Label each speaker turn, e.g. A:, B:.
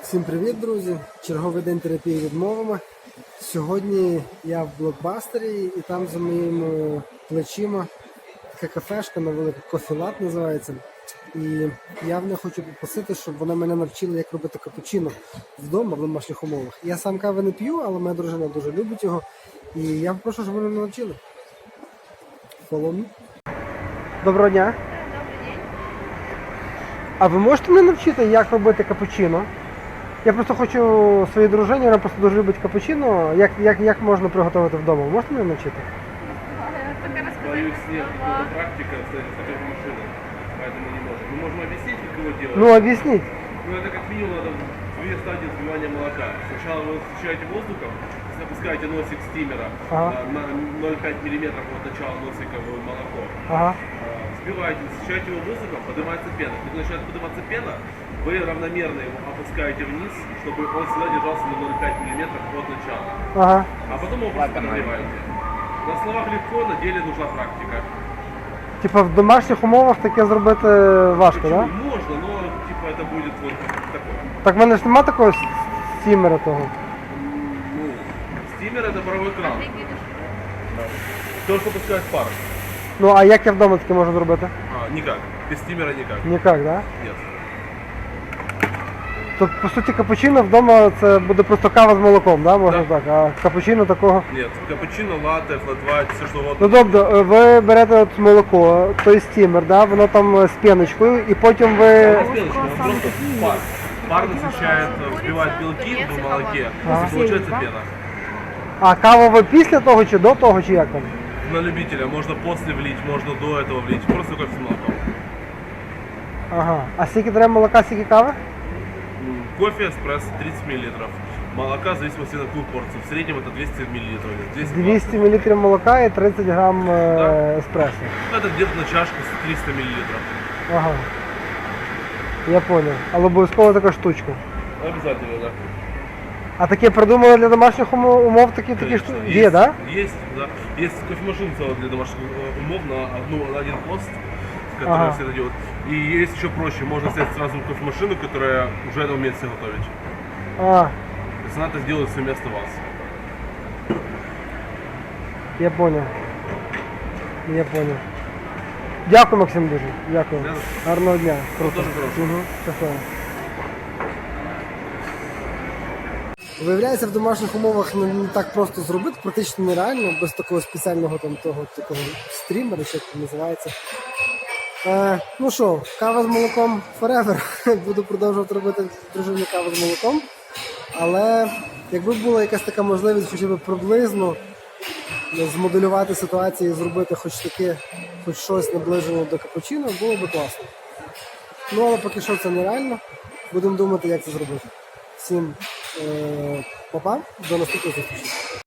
A: Всім привіт, друзі! Черговий день терапії відмовами. Сьогодні я в блокбастері і там за моїми плечима така кафешка на велику, кофі-лат називається. І я в них хочу попросити, щоб вони мене навчили, як робити капучино вдома в домашніх умовах. Я сам кави не п'ю, але моя дружина дуже любить його. І я попрошу, щоб вони мене навчили. Follow me. Доброго дня! А ви можете мене навчити, як робити капучино? Я просто хочу своїй дружині, вона просто дуже любить капучино. Як можна приготувати вдома? Можете мене навчити?
B: Боюсь, нет, это практика, кстати, с кофемашиной, поэтому не можем. Мы можем объяснить, как его делать.
A: Ну, объяснить.
B: Ну, это как минимум надо две стадии взбивания молока. Сначала вы встречаете воздухом, опускаете носик стимера на 0,5 мм от начала носика в молоко.
A: Ага.
B: Взбиваете, встречаете его воздухом, поднимается пена. Когда начинает подниматься пена, вы равномерно его опускаете вниз, чтобы он всегда держался на 0,5 мм от начала.
A: Ага.
B: А потом его просто нагреваете. На словах легко, на деле нужна практика.
A: Типа в домашніх умовах таке зробити важко, так?
B: Почему?
A: Да?
B: Можно, но типа это будет вот такое.
A: Так в мене ж нема такого стімера того.
B: Ну, стимер это паровой кран. То, что пускает пар.
A: Ну, а як я вдома таке можу зробити?
B: Никак. Без стимера никак.
A: Ніяк, так? Да?
B: Нет.
A: Тобто, по суті, капучино вдома це буде просто кава з молоком, да? Можна
B: Да.
A: так, а капучино такого.
B: Нет. Капучино, латте, флат-вайт, все что
A: Ну
B: угодно.
A: тобто, ви берете от молоко, той стімер, да? Воно там з піночкою, і потім ви...
B: Он просто пар. Пар насыщает, взбивает белки в молоке, и получается пена.
A: А каву ви після того чи до того, чи як там?
B: На любителя. Можно после влить, можно до этого влить. Просто кофе с молоком.
A: Ага. А скільки треба молока, скільки кави?
B: Кофе, эспрессо 30 мл. Молока в зависимости на какую порцию. В среднем это 200 мл.
A: 200 мл молока і 30 грам еспресо.
B: Это где-то на чашку с 300 мл.
A: Ага. Я понял. Але обов'язково така штучка.
B: Обязательно, да.
A: А таке придумали для домашніх умов такі
B: Конечно,
A: штуки? Є, да?
B: Есть, да. Есть кофемашина целая для домашних умов на один пост, который все это делают. И есть еще проще, можно взять сразу кофемашину, которая уже это умеет все готовить.
A: А,
B: То есть она это сделает все вместо вас.
A: я понял. Я понял. Дякую, Максим, дуже. Дякую. Гарного дня. Круто.
B: Дуже хорошого.
A: Угу. Щасливо. Виявляється, в домашніх умовах не так просто зробити, практично нереально, без такого спеціального такого стрімера, що це називається. Ну що, кава з молоком forever. Буду продовжувати робити дружині каву з молоком. Але якби була якась така можливість хоча б приблизно змоделювати ситуацію і зробити хоч щось наближене до капучино, було б класно. Ну, але поки що це нереально. Будемо думати, як це зробити. Всім па-па, до наступної зустрічі.